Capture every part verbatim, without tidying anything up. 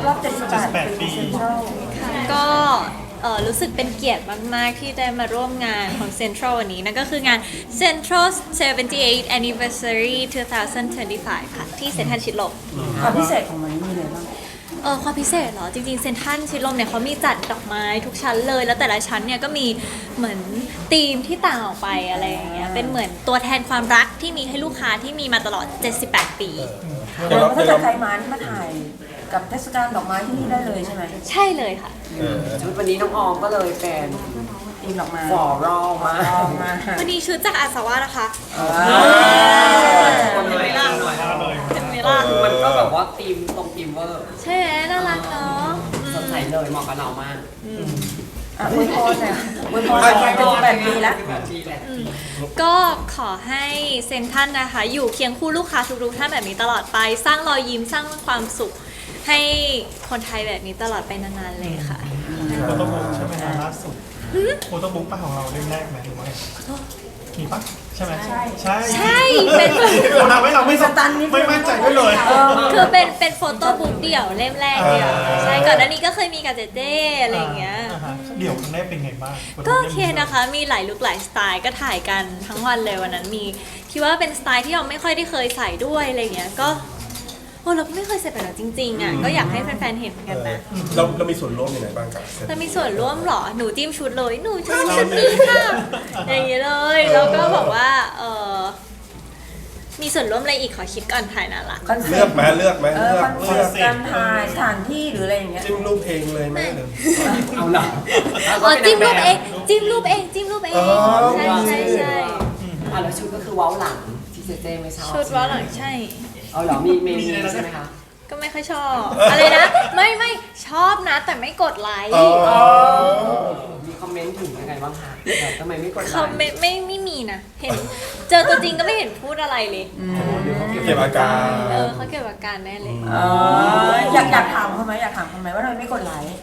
รอบเจ็ดสิบแปดปีเซ็นทรัลก็เอ่อรู้สึกเป็นเกียรติมาก ๆ ที่ได้มาร่วมงานของ Central วันนี้นั่นก็คืองาน Central เจ็ดสิบแปด Anniversary สองพันยี่สิบห้า ค่ะที่เซ็นทรัลชิดลมความพิเศษของมันมีอะไรบ้างเออความพิเศษเหรอ จริง ๆ เซ็นทรัลชิดลมเนี่ยเขามีจัดดอกไม้ทุกชั้นเลย แล้วแต่ละชั้นเนี่ยก็มีเหมือนธีมที่ต่างออกไปอะไรอย่างเงี้ยเป็นเหมือนตัวแทนความรักที่มีให้ลูกค้าที่มีมาตลอดเจ็ดสิบแปดปีแล้วถ้าเกิดใครมามาถ่ายกับเทศกาลดอกไม้ที่นี่ได้เลยใช่ไหมใช่เลยค่ะชุดวันนี้น้องออมก็เลยเป็นธีมดอกไม้ฟอรอลมาวันนี้ชุดจากอาสาวะนะคะคนไม่ล่าหน่อยเป็นเมล่ามันก็แบบว่าธีมตรงธีมเวอร์ใช่ไหมน่ารักเนาะสดใสเลยเหมาะกับเรามากอ่ะอวยพรเนี่ยอวยพรไปเจ็ดสิบแปดปีแล้วก็ขอให้เซ็นทรัลนะคะอยู่เคียงคู่ลูกค้าทุกๆท่านแบบนี้ตลอดไปสร้างรอยยิ้มสร้างความสุขให้คนไทยแบบนี้ตลอดไปนานๆเลยค่ะโฟโต้บุ๊กใช่ไหมล่าสุดโฟโต้บุ๊กป้าของเราเล่มแรกไหมหรือว่ามีปะใช่ไหมใช่ใช่ใช่เป็นเราทำให้เราไม่สตันไม่มั่นใจด้วยเลยคือเป็นเป็นโฟโต้บุ๊กเดี่ยวเล่มแรกเดียวใช่ก่อนหน้านี้ก็เคยมีกับเจเจอะไรอย่างเงี้ยเดี่ยวครั้งแรกเป็นไงบ้างก็โอเคนะคะมีหลายลุคหลายสไตล์ก็ถ่ายกันทั้งวันเลยวันนั้นมีคิดว่าเป็นสไตล์ที่เราไม่ค่อยได้เคยใส่ด้วยอะไรเงี้ยก็โอ้เราไม่เคยใส่แบบนั้นจริงๆอ่ะก็อยากให้แฟนๆเห็นกันนะเราเรามีส่วนร่วมยังไงบ้างกับเรามีส่วนร่วมหรอหนูจิ้มชุดเลยหนูชอบชุดนี้ค่ะอย่างนี้เลยแล้วก็บอกว่าเออมีส่วนร่วมอะไรอีกขอคิดก่อนถ่ายน่ารักเลือกไหมเลือกไหมเลือกคอนเซ็ปต์การถ่ายสถานที่หรืออะไรอย่างเงี้ยจิ้มรูปเองเลยไหมหรือเอาล่ะอ๋อจิ้มรูปเองจิ้มรูปเองจิ้มรูปเองใช่ใช่ใช่อ่ะแล้วชุดก็คือเว้าหลังที่เจเจไม่ชอบชุดเว้าหลังใช่เอาเหรอมีเมนูใช่ไหมคะก็ไม่ค่อยชอบอะไรนะไม่ไม่ชอบนะแต่ไม่กดไลค์มีคอมเมนต์ถึงยังไงบ้างคะทำไมไม่กดไลค์คอมเมนต์ไม่ไม่มีนะเห็นเจอตัวจริงก็ไม่เห็นพูดอะไรเลยเก็บอาการเออเขาเก็บอาการแน่เลยอยากอยากถามเขาไหมอยากถามเขาไหมว่าทำไมไม่กดไลค์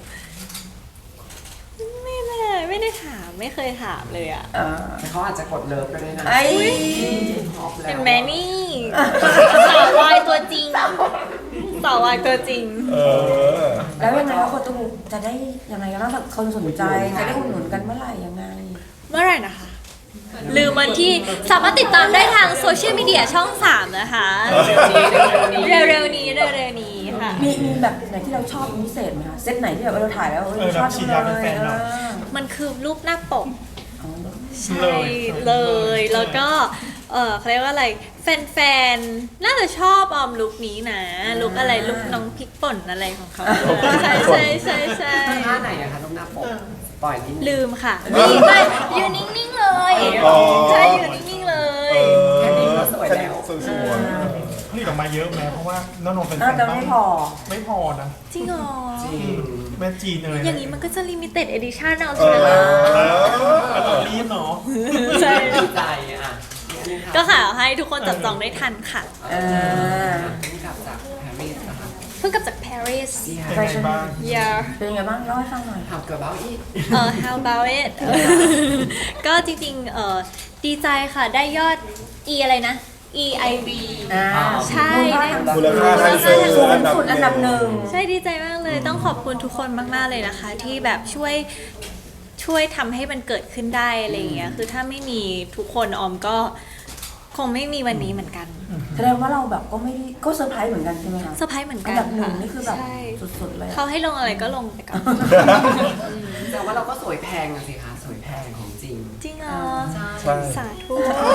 ไม่ไม่ไม่ได้ถามไม่เคยถามเลยอ่ะแต่เขาอาจจะกดเลิฟก็ได้นะเห็นไหมนี่สาววายตัวจริงสาววายตัวจริงแล้วยังไงว่าคนตู้จะได้ยังไงกันบ้างคนสนใจจะได้อุดหนุนกันเมื่อไหร่ยังไงเมื่อไหร่นะคะลืมวันที่สามารถติดตามได้ทางโซเชียลมีเดียช่องสามนะคะเร็วๆนี้เร็วๆนี้ค่ะมีมีแบบไหนที่เราชอบพิเศษไหมคะเซตไหนที่แบบเราถ่ายแล้วเราชอบจังเลยมันคือรูปหน้าปกใช่เลยแล้วก็เออเขาเรียกว่าอะไรแฟนๆน่าจะชอบออมลุคนี้นะลุคอะไรลุคน้องพริกป่นอะไรของเขาใช่ใช่ใช่ใช่ท่าไหนอะคะรูปหน้าปกปล่อยนิดลืมค่ะนี่ไปอยู่นิ่งๆเลยใช่อยู่นิ่งๆเลยแค่นี้ก็สวยแล้วสวยนี่ออกมาเยอะไหมเพราะว่าน้องๆเป็นน่าจะไม่พอไม่พอนะจริงเหรอจริงแม่จีนเลยอย่างนี้มันก็จะลิมิเต็ดเอดิชั่นเอาใช่ไหมล่ะเรารีบเนาะใช่ดีใจอ่ะก็ขอให้ทุกคนจับจองได้ทันค่ะเออเพิ่งกลับจากปารีสนะคะเพิ่งกลับจากปารีสเป็นไงบ้าง yeah เป็นไงบ้างเล่าให้ฟังหน่อย How about it เออ How about it ก็จริงๆเออดีใจค่ะได้ยอด E อะไรนะ E I B ใช่มูลค่าทางเซิร์ฟสุดอันดับหนึ่งใช่ดีใจมากเลยต้องขอบคุณทุกคนมากๆเลยนะคะที่แบบช่วยช่วยทำให้มันเกิดขึ้นได้อะไรอย่างเงี้ยคือถ้าไม่มีทุกคนออมก็คงไม่มีวันนี้เหมือนกันแสดงว่าเราแบบก็ไม่ได้ก็เซอร์ไพรส์เหมือนกันใช่ไหมคะเซอร์ไพรส์เหมือนกันอันดับหนึ่งนี่คือแบบสุดๆเลยเขาให้ลงอะไรก็ลงไปก่อนแต่ว่าเราก็สวยแพงอะสิคะสวยแพงของจริงจริงเหรอใช่สาธุ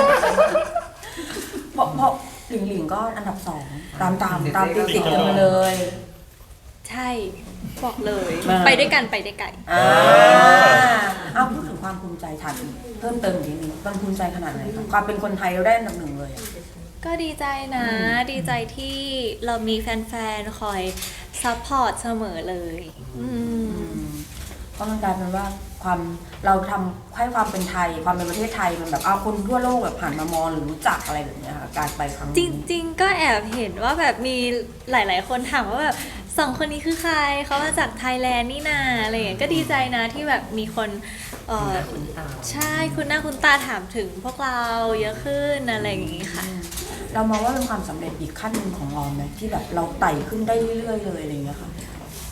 เพราะเพราะหลิงหลิงก็อันดับสองตามตามตามติดติดกันมาเลยใช่บอกเลยไปด้วยกันไปได้ไกลอ่าเอาพูดถึงความภูมิใจถามเพิ่มเติมนิดนึงมันภูมิใจขนาดไหนคะความเป็นคนไทยเราได้อันดับหนึ่งเลยก็ดีใจนะดีใจที่เรามีแฟนๆคอยซัพพอร์ตเสมอเลยก็มันกลายเป็นว่าความเราทำให้ความเป็นไทยความเป็นประเทศไทยมันแบบเอาคนทั่วโลกแบบผ่านมามองหรือรู้จักอะไรแบบนี้ค่ะการไปครั้งนี้จริงๆก็แอบเห็นว่าแบบมีหลายๆคนถามว่าแบบสองคนนี้คือใครเขามาจากไทยแลนด์นี่นาอะไรอย่างเงี้ยก็ดีใจนะที่แบบมีคนเออใช่คุณหน้าคุณตาถามถึงพวกเราเยอะขึ้นอะไรอย่างงี้ค่ะเรามองว่าเป็นความสำเร็จอีกขั้นหนึ่งของออมไหมที่แบบเราไต่ขึ้นได้เรื่อยๆเลยอะไรอย่างเงี้ยค่ะ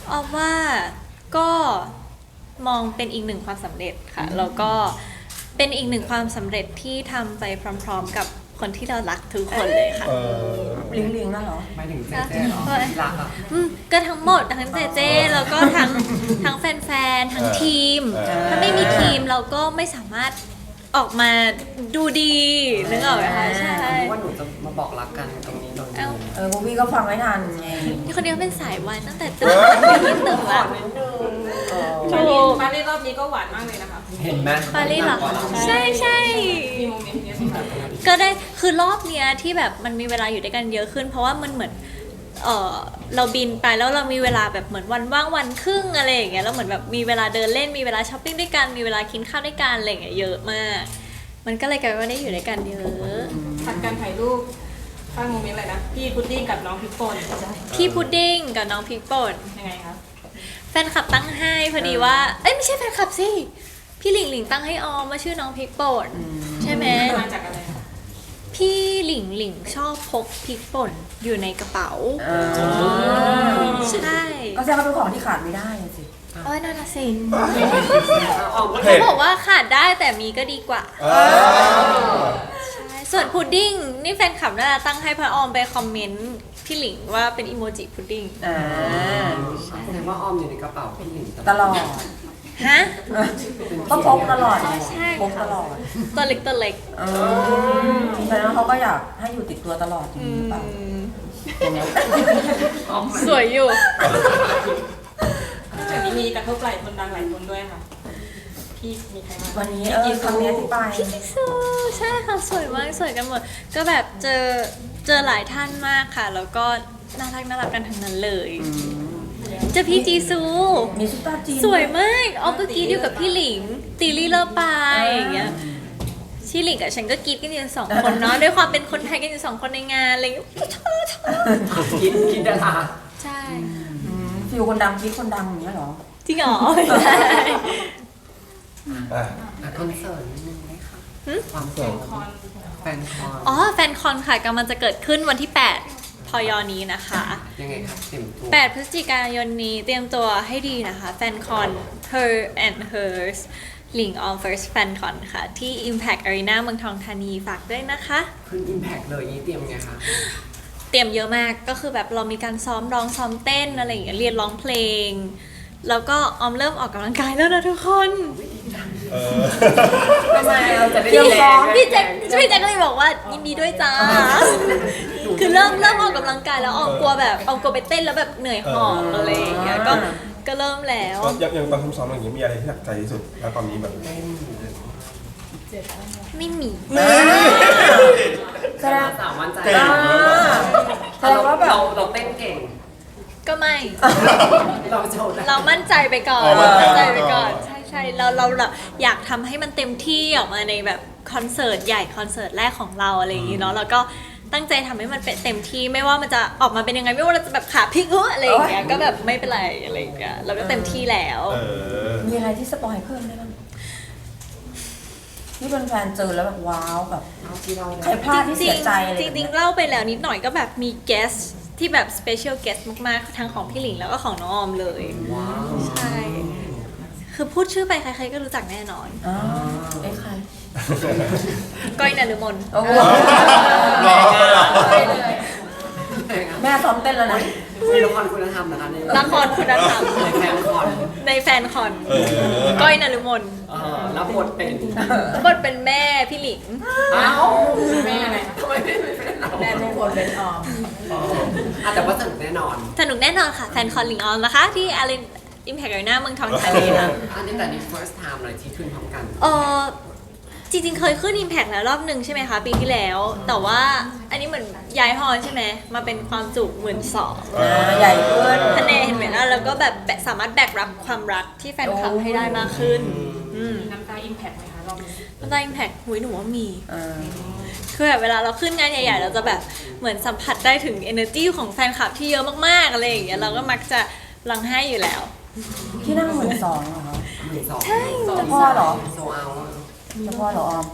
ออฟว่าก็มองเป็นอีกหนึ่งความสำเร็จค่ะแล้วก็เป็นอีกหนึ่งความสำเร็จที่ทำไปพร้อมๆกับคนที่เรารักทุกคนเลยค่ะเออลิงลิงนั่นเหรอไม่ถึงเจ๊เจ๊เหรอที่รักอ่ะอืมก็ทั้งหมดทั้งเจเจแล้วก็ทั้งทั้งแฟนๆทั้งทีมเออถ้าไม่มีทีมเราก็ไม่สามารถออกมาดูดีนึกออกไหมคะใช่รู้ว่าหนูจะมาบอกรักกันตรงนี้ตรงนี้เอ้าเออพวกพี่ก็ฟังไม่ทันไงนี่คนเดียวเป็นสายวันตั้งแต่ตื่นตื่นตื่นละปารีสปารีสรอบนี้ก็หวานมากเลยนะคะเห็นไหมปารีสเหรอใช่ใช่มีโมเมนต์เนี้ยที่แบบก็ได้คือรอบเนี้ยที่แบบมันมีเวลาอยู่ด้วยกันเยอะขึ้น เพราะว่ามันเหมือนเออเราบินไปแล้วเรามีเวลาแบบเหมือนวันว่างวันครึ่งอะไรอย่างเงี้ยแล้วเหมือนแบบมีเวลาเดินเล่นมีเวลาช้อปปิ้งด้วยกันมีเวลากินข้าวด้วยกันอะไรอย่างเงี้ยเยอะมาก มันก็เลยกลายเป็นว่าได้อยู่ด้วยกันเยอะผัดการถ่ายรูปสร้างโมเมนต์อะไรนะ พี่พุดดิ้งกับน้องพริกป่นพี่พุดดิ้งกับน้องพริกป่นยังไงคะแฟนคลับตั้งให้พอดีว่าเอ้ยไม่ใช่แฟนคลับสิพี่หลิงหลิงตั้งให้ออมว่าชื่อน้องพริกป่นใช่ไหมมาจากอะไรคะพี่หลิงหลิงชอบพกพริกป่นอยู่ในกระเป๋าอ่าใช่ก็แสดงว่าเป็นของที่ขาดไม่ได้สิโอ้ยน่ารักสิออกมาเขาบอกว่าขาดได้แต่มีก็ดีกว่าอ่าใช่ส่วนพุดดิ้งนี่แฟนคลับน่าจะตั้งให้พระออมไปคอมเมนต์พี่หลิงว่าเป็นอีโมจิพุดดิ้งอ่าแสดงว่าออมอยู่ในกระเป๋าพี่หลิงตลอดฮะก็พกตลอดอ๋อใช่พกตลอดตัวเล็กตัวเล็กเออแสดงว่าเขาก็อยากให้อยู่ติดตัวตลอดอย่างนี้หรือเปล่าสวยอยู่จากนี้มีกระทบหลายคนดังหลายคนด้วยค่ะ พี่มีใครบ้างวันนี้เออครั้งนี้ที่ไปพี่จิซูใช่ค่ะสวยมากสวยกันหมด ก็แบบเจอเจอหลายท่านมากค่ะ แล้วก็น่ารักน่ารักกันทั้งนั้นเลยเจอพี่จีซูมีซุปตาจีนสวยมากออฟก็กรีดอยู่กับพี่หลิง ตีลี่เลอปายอย่างเงี้ยพี่หลิงกับฉันก็กรีดกันอยู่สองคนเนาะ ด้วยความเป็นคนไทยกันอยู่สองคนในงานอะไรอย่างเงี้ยชอบชอบกินกินดาราใช่อืมฟิลคนดังคิดคนดังอย่างเงี้ยเหรอจริงเหรอใช่อ่ะอ่ะคอนเสิร์ตนิดนึงได้ค่ะความแฟนคอนแฟนคอนอ๋อแฟนคอนค่ะกำลังจะเกิดขึ้นวันที่แปดพยนี้นะคะยังไงครับเต็มตัวแปดพฤศจิกายนนี้เตรียมตัวให้ดีนะคะ แฟนคอน Her and Hers หลิง on first fan con ค่ะ ที่ Impact Arena เมืองทองธานีฝากด้วยนะคะขึ้นอิมแพกเลยนี่เตรียมไงคะเตรียมเยอะมากก็คือแบบเรามีการซ้อมร้องซ้อมเต้นอะไรอย่างเงี้ยเรียนร้องเพลง แล้วก็ออมเริ่มออกกำลังกายแล้วนะทุกคนเออทำไมเราจะได้พี่แรงพี่แจ็คพี่แจ็คก็เลยบอกว่ายินดีด้วยจ้า คือเริ่มเริ่มออกกำลังกายแล้วออมกลัวแบบออมกลัวไปเต้นแล้วแบบเหนื่อยหอบอะไรอย่างเงี้ยก็ก็เริ่มแล้วยังยังตอนซ้อมๆอย่างนี้มีอะไรที่หนักใจที่สุดแล้วตอนนี้แบบไม่มีแสดงสามวันใจเก่งอ่าแสดงว่าแบบเราเราเต้นเก่งก็ไม่เราโชว์ได้เรามั่นใจไปก่อนอ๋อมั่นใจมั่นใจไปก่อนใช่ใช่เราเราเราอยากทำให้มันเต็มที่ออกมาในแบบคอนเสิร์ตใหญ่คอนเสิร์ตแรกของเราอะไรอย่างงี้เนาะแล้วก็ตั้งใจทำให้มันเป็นเต็มที่ไม่ว่ามันจะออกมาเป็นยังไงไม่ว่าเราจะแบบขาพลิกเอออะไรอย่างเงี้ยก็แบบไม่เป็นไรอะไรอย่างเงี้ยเราก็เต็มที่แล้วเออมีอะไรที่สปอยเพิ่มได้บ้างที่แฟนๆเจอแล้วแบบว้าวแบบเอาที่เราใครพลาดที่เสียใจอะไรจแบบริเนี้งยๆเล่าไปแล้วนิดหน่อยก็แบบมี guest ที่แบบ special guest มากๆทั้งของพี่หลิงแล้วก็ของน้องออมเลยว้าวใช่คือพูดชื่อไปใครๆก็รู้จักแน่นอนอ๋อเอ้ใครก้อยนฤมลโอ้โหรอเลยเหรอแม่ซ้อมเต้นแล้วนะมีละครคุณธรรมนะคะเนี่ยละครคุณธรรมในแฟนคอนในแฟนคอนเออก้อยนฤมลเออรับบทเป็นบทเป็นแม่พี่หลิงอ้าวแม่อะไรคะทำไมไม่เป็นเราแม่ทุกคนเป็นออมอ่ะแต่ว่าสนุกแน่นอนสนุกแน่นอนค่ะ แฟนคอนหลิงออนนะคะ ที่อารีนอิมแพคอารีนาเมืองทองธานีค่ะอันนี้แต่นี่ first time เลยที่ขึ้นพร้อมกันเออจริงๆ เคยขึ้น Impact แล้วรอบหนึ่งใช่ไหมคะปีที่แล้ว แต่ว่าอันนี้เหมือนย้ายฮอลใช่ไหมมาเป็นความจุหมื่นสองอ่าใหญ่ขึ้นคะแนนเห็นไหมล่ะแล้วก็แบบแบะสามารถแบกรับความรักที่แฟนคลับให้ได้มากขึ้นอืมน้ำตาอิมแพคไหมคะรอบนี้แล้วได้ Impact หุยหนูว่ามีอ่าคือแบบเวลาเราขึ้นงานใหญ่ๆ เราจะแบบเหมือนสัมผัสได้ถึง energy ของแฟนคลับที่เยอะมากๆอะไรอย่างเงี้ยเราก็มักจะรังให้อยู่แล้วที่นั่งหมื่นสองเหรอคะหมื่นสองใช่เจะพ่อเหรอโซเอาเจะพ่อเหรอออม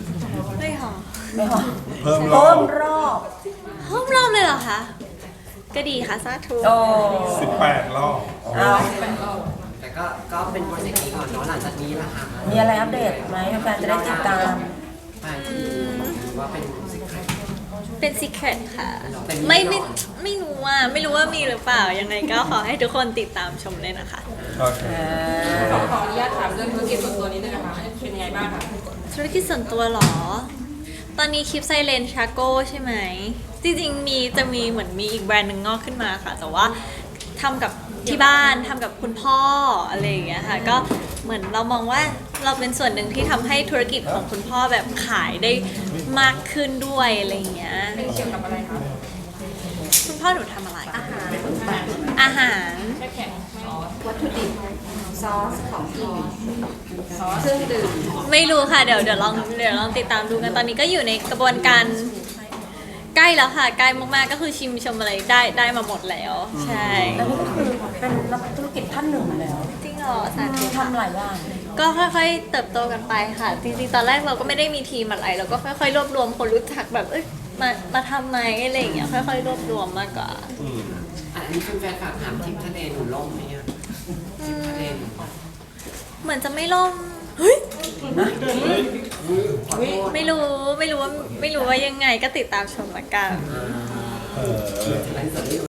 ไม่หรอไม่หรอเพิ่มรอเพิ่บมรอบห้อมรอบเลยเหรอคะก็ดีค่ะสาธุโอ้สิบแปดรอบเอาแต่ก็ก็เป็นโปรเจกต์นี้ก่อนเนาะหลังจากนี้ล่ะค่ะมีอะไรอัปเดตไหมแฟนๆจะได้ติดตามไปที่ว่าเป็นสินค้าเป็นซีเครตค่ะเป็นไม่แน่ไม่นอนไม่รู้ว่าไม่รู้ว่ามีหรือเปล่ายังไงก็ขอให้ทุกคนติดตามชมเลยนะคะโอเคขอขออนุญาตถามเรื่องธุรกิจส่วนตัวนิดนึงนะคะเป็นยังไงบ้างคะธุรกิจส่วนตัวเหรอ ตอนนี้คลิปไซเลนชาโก้ใช่ไหม จริงๆ มีจะมีเหมือนมีอีกแบรนด์หนึ่งงอกขึ้นมาค่ะ แต่ว่าทำกับที่บ้านทำกับคุณพ่ออะไรอย่างเงี้ยค่ะ ก็เหมือนเรามองว่าเราเป็นส่วนหนึ่งที่ทำให้ธุรกิจของคุณพ่อแบบขายได้มากขึ้นด้วยอะไรอย่างเงี้ยเกี่ยวกับอะไรคะคุณพ่อหนูทำอะไร อาหาร อาหารแค่แข็งวัตถุดิบซอสของกินเครื่องดื่มไม่รู้ค่ะ เดี๋ยวเดี๋ยวลองเดี๋ยวลองติดตามดูกันตอนนี้ก็อยู่ในกระบวนการใกล้แล้วค่ะ ใกล้มากๆก็คือชิมชมอะไรได้ได้มาหมดแล้ว ใช่แล้วนี่ก็คือเป็นนักธุรกิจท่านหนึ่งแล้วจริงเหรอสาธุทำหลายอย่างก็ค่อยๆ เติบโตกันไปค่ะ จริงๆ ตอนแรกเราก็ไม่ได้มีทีมอะไรเราก็ค่อยๆ รวบรวมคนรู้จักแบบเอ้ยมามาทำไหมอะไรอย่างเงี้ยค่อยๆ รวบรวมมากกว่าอืมอันนี้คุณแฟนฝากถามทริปทะเลหนูล่มไหมอะทริปทะเลหนูเหมือนจะไม่ล่มเฮ้ยขอโทษไม่รู้ไม่รู้ว่าไม่รู้ว่ายังไงก็ติดตามชมละกันเออไลฟ์สดที่